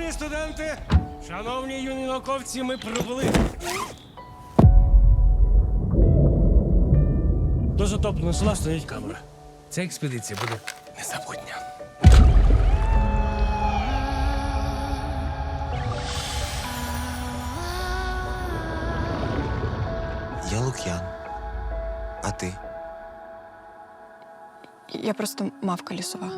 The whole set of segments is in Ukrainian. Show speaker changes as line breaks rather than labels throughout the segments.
Шановні студенти, шановні юні науковці, ми прибули. До затопленого села стоїть камера. Ця експедиція буде незабутня.
Я Лук'ян. А ти?
Я просто мавка лісова.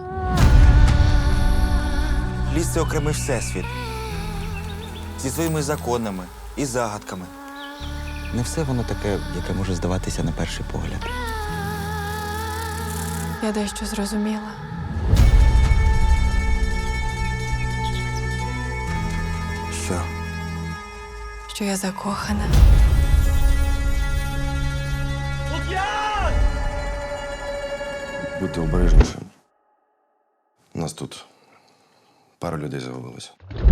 Ліс — це окремий всесвіт. Зі своїми законами і загадками. Не все воно таке, яке може здаватися на перший погляд.
Я дещо зрозуміла.
Що?
Що я закохана.
Лук'ян!
Будьте обережніші. У нас тут пара людей загубилося.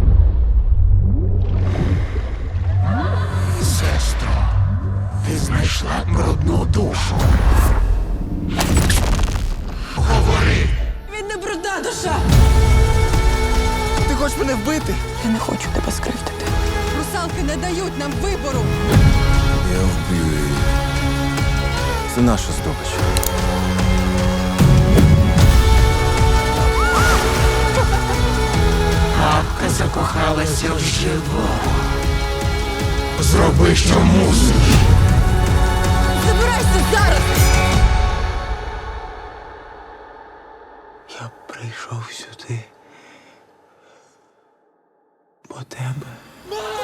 Сестро, ти знайшла брудну душу. Говори.
Він не брудна душа!
Ти хочеш мене вбити?
Я не хочу тебе скривдити. Русалки не дають нам вибору.
Я вб'ю її. Це наша здобич.
Мавка закохалася в живого. Зроби, що мусиш.
Забирайся зараз!
Я прийшов сюди. По тебе.